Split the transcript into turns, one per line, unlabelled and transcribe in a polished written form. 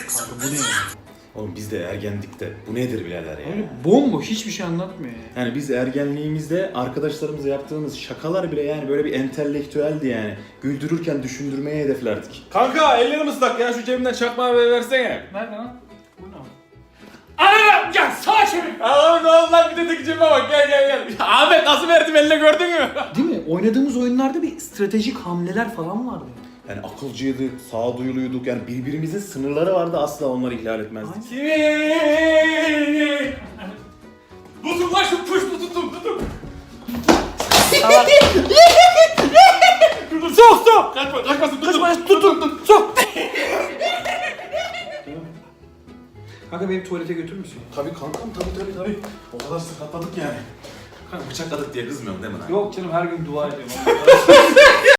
Kanka bu ne ya?
Oğlum biz de ergendikte. Bu nedir birader ya?
Öyle bomboş hiçbir şey anlatmıyor ya.
Yani biz ergenliğimizde arkadaşlarımızla yaptığımız şakalar bile yani böyle bir entelektüeldi yani. Güldürürken düşündürmeye hedeflerdik.
Kanka ellerim ıslak ya, şu cebimden çakmağı versene.
Nerede lan? Bu ne? Anam gel sağa çevir.
Oğlum ne oldu lan, bir de tek cebime bak, gel. Ahmet nasıl verdim eline, gördün mü?
Değil mi? Oynadığımız oyunlarda bir stratejik hamleler falan vardı.
Yani akılcıydık, sağduyuluyduk yani birbirimizin sınırları vardı, asla onları ihlal etmezdik.
Tutun lan şu puştu, tutun. Sok. Kaçmasın, tutun.
Sok. Kanka beni tuvalete götürür müsün?
Tabii kankam, tabii. O kadar sakatladık yani. Kanka bıçakladık diye kızmıyorum değil mi lan?
Yok canım her gün dua ediyorum.